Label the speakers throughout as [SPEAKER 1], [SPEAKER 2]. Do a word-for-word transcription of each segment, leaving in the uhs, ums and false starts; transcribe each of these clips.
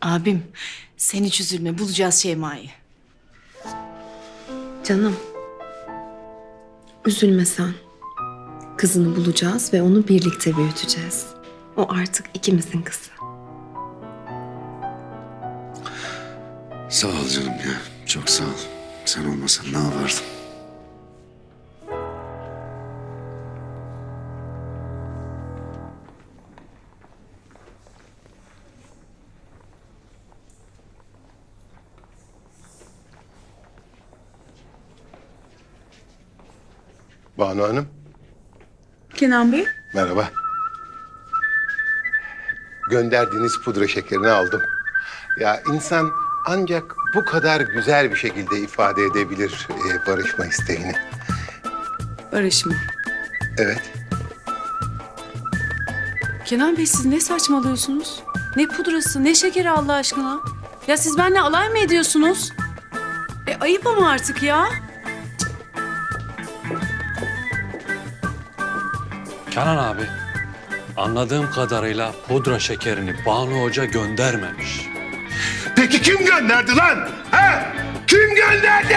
[SPEAKER 1] Abim sen hiç üzülme, bulacağız Şeyma'yı.
[SPEAKER 2] Canım. Üzülme sen. Kızını bulacağız ve onu birlikte büyüteceğiz. O artık ikimizin kızı.
[SPEAKER 3] Sağ ol canım ya. Çok sağ ol. Sen olmasan ne yapardım?
[SPEAKER 4] Banu Hanım,
[SPEAKER 1] Kenan Bey.
[SPEAKER 4] merhaba. Gönderdiğiniz pudra şekerini aldım. Ya insan ancak bu kadar güzel bir şekilde ifade edebilir e, barışma isteğini.
[SPEAKER 5] Barış mı?
[SPEAKER 4] Evet.
[SPEAKER 5] Kenan Bey siz ne saçmalıyorsunuz? Ne pudrası, ne şekeri Allah aşkına? Ya siz benimle alay mı ediyorsunuz? E ayıp ama artık ya.
[SPEAKER 6] Kenan abi, anladığım kadarıyla pudra şekerini Banu Hoca göndermemiş.
[SPEAKER 4] Peki kim gönderdi lan? He? Kim gönderdi?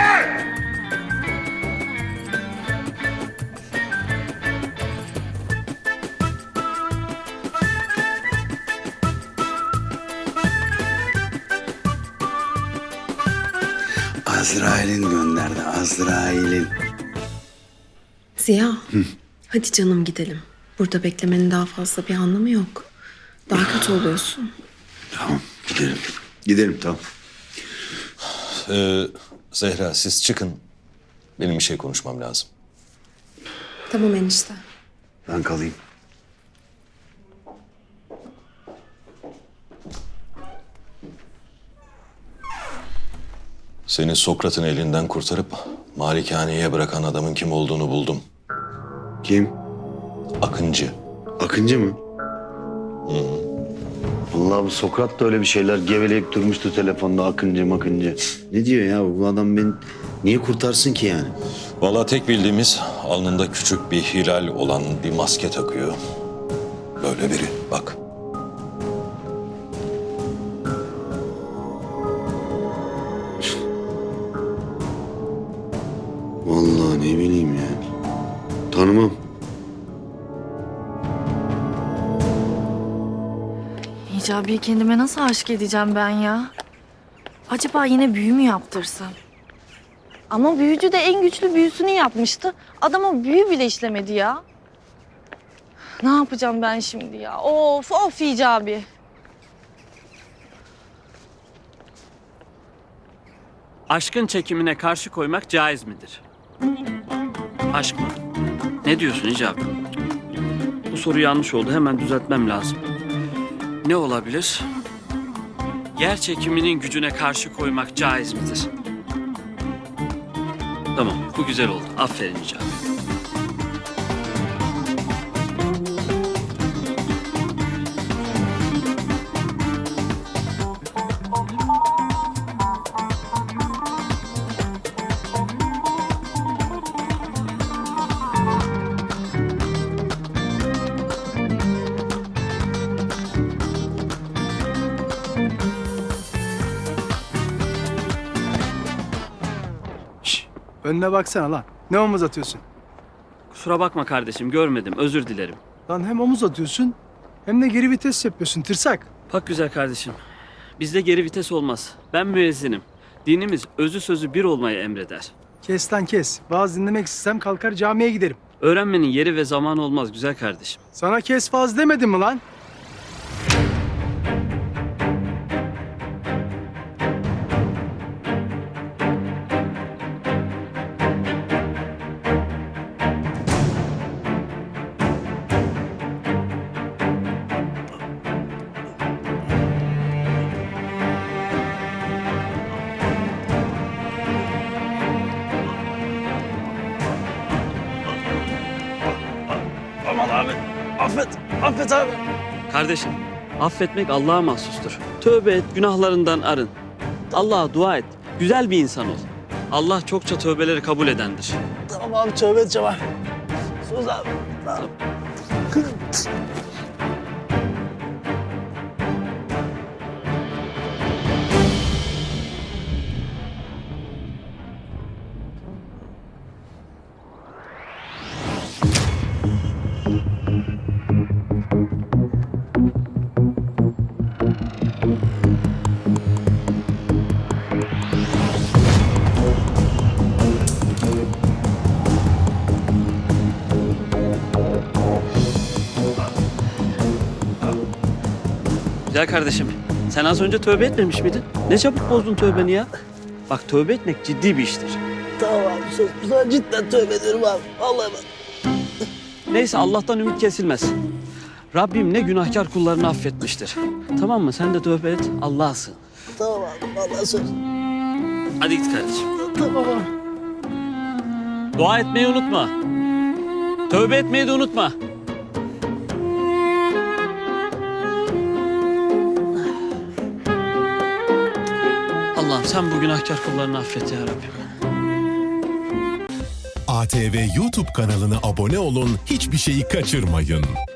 [SPEAKER 3] Azrail'in gönderdi, Azrail'in.
[SPEAKER 2] Ziya. Hadi canım gidelim. Burada beklemenin daha fazla bir anlamı yok. Daha kötü oluyorsun.
[SPEAKER 3] Tamam, gidelim. Gidelim, tamam.
[SPEAKER 7] Ee, Zehra siz çıkın. Benim bir şey konuşmam lazım.
[SPEAKER 2] Tamam enişte.
[SPEAKER 3] Ben kalayım.
[SPEAKER 7] Seni Sokrat'ın elinden kurtarıp malikaneye bırakan adamın kim olduğunu buldum.
[SPEAKER 3] Kim?
[SPEAKER 7] Akıncı.
[SPEAKER 3] Akıncı mı? Vallahi bu Sokrat da öyle bir şeyler geveleyip durmuştu telefonda, Akıncı makıncı. Ne diyor ya bu adam, beni niye kurtarsın ki yani?
[SPEAKER 7] Vallahi tek bildiğimiz alnında küçük bir hilal olan bir maske takıyor. Böyle biri bak.
[SPEAKER 3] Vallahi ne bileyim ya. Tanımam.
[SPEAKER 8] Hicabi'yi kendime nasıl aşık edeceğim ben ya? Acaba yine büyü mü yaptırsam? Ama büyücü de en güçlü büyüsünü yapmıştı. Adama büyü bile işlemedi ya. Ne yapacağım ben şimdi ya? Of of Hicabi.
[SPEAKER 9] Aşkın çekimine karşı koymak caiz midir? Aşk mı? Ne diyorsun Hicabi? Bu soru yanlış oldu. Hemen düzeltmem lazım. Ne olabilir? Yer çekiminin gücüne karşı koymak caiz midir? Tamam, bu güzel oldu. Aferin Hicabi.
[SPEAKER 10] Önüne baksana lan. Ne omuz atıyorsun?
[SPEAKER 9] Kusura bakma kardeşim, görmedim. Özür dilerim.
[SPEAKER 10] Lan hem omuz atıyorsun hem de geri vites yapıyorsun tırsak.
[SPEAKER 9] Bak güzel kardeşim. Bizde geri vites olmaz. Ben müezzinim. Dinimiz özü sözü bir olmayı emreder.
[SPEAKER 10] Kes lan kes. Vaaz dinlemek istesem kalkar camiye giderim.
[SPEAKER 9] Öğrenmenin yeri ve zamanı olmaz güzel kardeşim.
[SPEAKER 10] Sana kes vaaz demedim mi lan?
[SPEAKER 9] Aman abi, affet, affet abi. Kardeşim, affetmek Allah'a mahsustur. Tövbe et, günahlarından arın. Allah'a dua et, güzel bir insan ol. Allah çokça tövbeleri kabul edendir.
[SPEAKER 10] Tamam abi tövbe edeceğim abi. Sus abi. Tamam.
[SPEAKER 9] Güzel kardeşim. Sen az önce tövbe etmemiş miydin? Ne çabuk bozdun tövbeni ya. Bak tövbe etmek ciddi bir iştir.
[SPEAKER 11] Tamam abi söz. Sana cidden tövbe ederim abi. Vallahi bak.
[SPEAKER 9] Neyse Allah'tan ümit kesilmez. Rabbim ne günahkar kullarını affetmiştir. Tamam mı? Sen de tövbe et. Allah'a sığın.
[SPEAKER 11] Tamam abi vallahi söz.
[SPEAKER 9] Hadi git kardeşim.
[SPEAKER 11] Tamam abi.
[SPEAKER 9] Dua etmeyi unutma. Tövbe etmeyi de unutma. Allah'ım sen bu günahkar kullarını affet ya Rabbim.
[SPEAKER 12] A T V YouTube kanalına abone olun, hiçbir şeyi kaçırmayın.